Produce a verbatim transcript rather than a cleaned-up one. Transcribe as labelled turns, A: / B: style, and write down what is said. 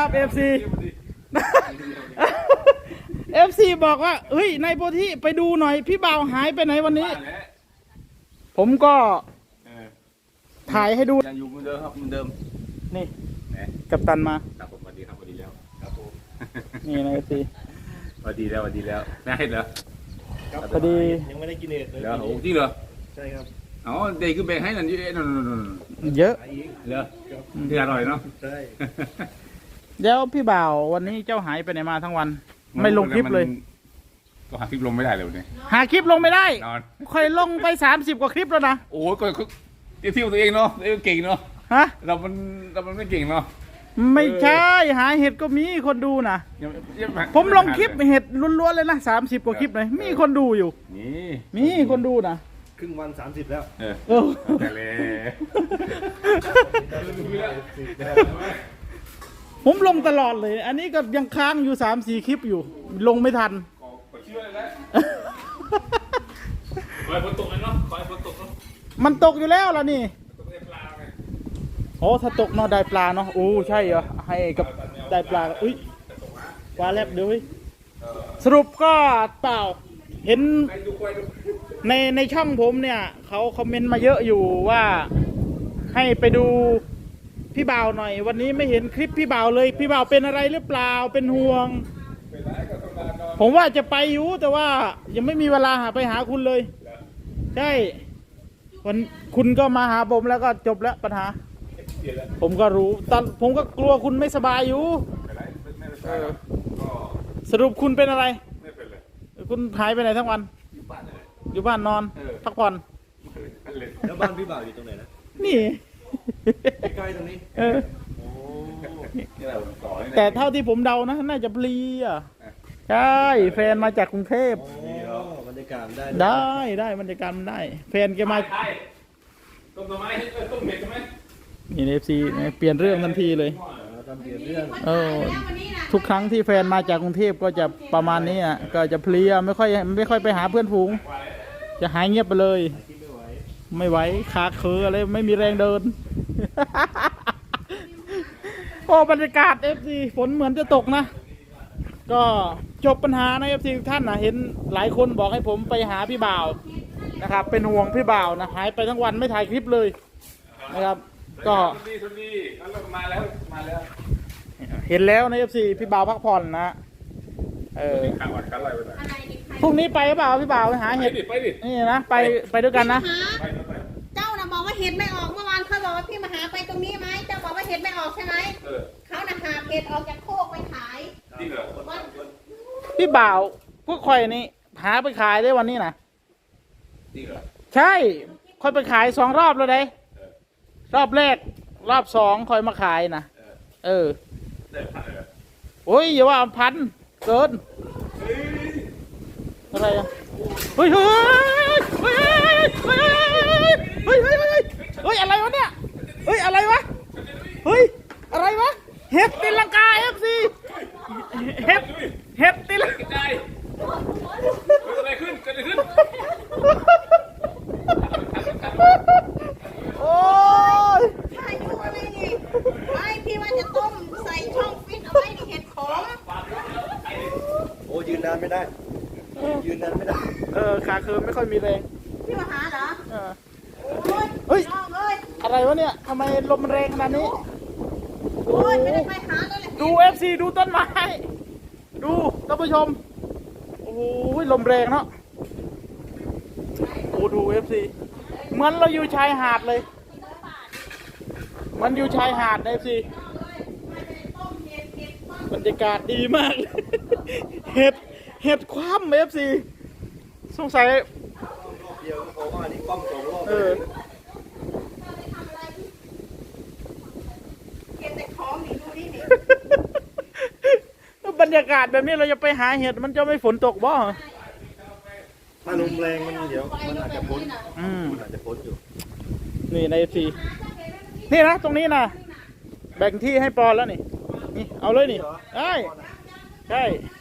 A: เอฟซีเอฟซีบอกว่าเฮ้ยนายโพธิไปดูหน่อยพี่บ่าวหายไปไหนวันนี้ผมก็ถ่ายให้ดู
B: ยังอยู่เหมือนเดิมครับเหมือนเดิม
A: นี่กัปตันมา
B: ครับผมสวัสดีครับสวัสดีแล้วครับผม
A: นี่นายเอฟซี
B: สวัสดีแล้วสวัสดีแล้วน่าเห็นเหรอ
A: พอดี
C: ยังไม่ได้กินเน็ตเลย
B: เหรอโอ้จริงเหรอ
C: ใช่ครับ
B: อ๋อเด็กคือแบ่งให้นั่นเยอะนั่น
A: เยอะ
B: เหรอที่อร่อยเนาะ
C: ใช่
A: แล้วพี่บ่าววันนี้เจ้าหายไปไหนมาทั้งวันไม่ลงคลิปเลย
B: ก็หาคลิปลงไม่ได้เลยวันนี้
A: หาคลิปลงไม่ได้เคยลงไปสามสิบกว่าคลิปแล้วนะ
B: โอ้ก็เที่ยวตัวเองเนาะเก่งเนาะ
A: ฮะ
B: เรามันเรามันไม่เก่งเนาะ
A: ไม่ใช่หาเห็ดก็มีคนดูนะผมลงคลิปเห็ดล้วนๆเลยนะสามสิบกว่าคลิปเลยมีคนดูอยู่
B: นี่
A: มีคนดูนะ
C: ครึ่งวันสามสิบแล้ว
B: เออแต่เลย
A: ผมลงตลอดเลยอันนี้ก็ยังค้างอยู่สามสี่คลิปอยู่ลงไม่ทัน
B: เชื่อเลยคอยฝนตกเลยเนาะคอยฝนตกเนาะ
A: มันตกอยู่แล้วล่ะนี่โอ้ถ้าตกเนาะได้ปลาเนาะโอ้ใช่เหรอให้กับได้ปลาอุ้ยปลาแลบเดี๋ยวสรุปก็เปล่าเห็นในในช่องผมเนี่ยเขาคอมเมนต์มาเยอะอยู่ว่าให้ไปดูพี่บ่าวหน่อยวันนี้ไม่เห็นคลิปพี่บ่าวเลยพี่บ่าวเป็นอะไรหรือเปล่าเป็นห่วงผมว่าจะไปอยู่แต่ว่ายังไม่มีเวลาหาไปหาคุณเลยใช่วันคุณก็มาหาผมแล้วก็จบแล้วปัญหาผมก็รู้ตอนผมก็กลัวคุณไม่สบายอยู่สรุปคุณเป็นอะไรคุณหายไปไหนทั้งวันอยู่บ้านนอนพักผ่อน
C: แล้วบ้านพี่บ่าวอยู่ตรงไหนนะ
A: นี่
C: ใกล้ตรงนี้
A: เออแต่เท่าที่ผมเดานะน่าจะเพลียใช่แฟนมาจากกรุงเทพ
C: บรรยากาศได้
A: ได้ได้บรรยากาศได้แฟนแกมา
B: ต้มต้มไม้ต้มเห็ดใช่ไหม
A: นี่เอฟซีเปลี่ยนเรื่องทันทีเลย
C: เปลี่ยนเรื่อง
A: เออทุกครั้งที่แฟนมาจากกรุงเทพก็จะประมาณนี้อ่ะก็จะเพลียไม่ค่อยไม่ค่อยไปหาเพื่อนฝูงจะหายเงียบไปเลยไม่ไหวขาเคืออะไรไม่มีแรงเดินโอ้บรรยากาศเอฟซีฝนเหมือนจะตกนะก็จบปัญหาในเอฟซีท่านนะเห็นหลายคนบอกให้ผมไปหาพี่บ่าวนะครับเป็นห่วงพี่บ่าวนะหายไปทั้งวันไม่ถ่ายคลิปเลยนะครับก็
B: มาแล้วมาแล้ว
A: เห็นแล้วในเอฟซีพี่บ่าวพักผ่อนนะเออพรุ่งนี้ไปหรือเปล่าพี่บ่าวไปหาเห็ดนี่นะไปไปด้วยกันนะ
D: เจ้าน่ะบอกว่าเห็ดไม่ออกเมื่อวานเขาบอกว่าพี่มาหาไปตรงนี้ไหมเจ้าบอกว่าเห็ดไม่ออกใช่ไหมเขาน่ะหาเห็ดออกจากโคกไปขาย
A: พี่บ่าวพวกคอยนี่หาไปขายได้วันนี้นะใช่คอยไปขายสองรอบแล้วได้รอบแรกรอบสองคอยมาขายนะเออโอ้ยอย่าว่าพันเกินอะไรอ่ะเฮ้ยเฮ้ยเฮ้ยเฮ้ยเฮ้ยเฮ้ยเฮ้ยเฮ้ยอะไรวะเนี่ยเฮ้ยอะไรวะเฮ้ยอะไรวะเห็ดตีลังกาเอฟซีเห็ดเห็ดตีลังกา
B: เกิดอะไรขึ้นเกิดอะไรขึ้น
A: โอ้ย
D: พายุอะไรนี่ไอพี่ว่าจะต้มใส่ช่องฟิตเอาไว้ในเห็ดขม
C: โอ้ยืนนานไม่ได้ยืนนานไม่ได้
A: เออขาเคิร์มไม่ค่อยมีแรง
D: พี่มาหาเหรอ
A: เออเฮ้ยอะไรวะเนี่ยทำไมลมมันแรงขนาดนี้
D: โอ้ยไม่ได้ไปหาเลย
A: ดูเอฟซีดูต้นไม้ดูท่านผู้ชมโอ้ยลมแรงเนาะโอ้ดูเอฟซีเหมือนเราอยู่ชายหาดเลยมันอยู่ชายหาดเอฟซีบรรยากาศดีมากเห็ดเห็ดคว่ำเอฟซีสงสัย
C: เดี๋ยวเขาว่านี่ป้อมสองรอบ
A: เออ
D: เห็ดแต่ของนี่ดูนี่
A: นี่บรรยากาศแบบนี้เราจะไปหาเห็ดมันจะไม่ฝนตกบ่
C: ถ้าลมแรงมันเดี๋ยวมันอาจจะพ้นมันอาจจะพ้นอยู่
A: นี่ในเอฟซีนี่นะตรงนี้นะแบ่งที่ให้ปอนแล้วนี่นี่เอาเลยนี่ได้ใช่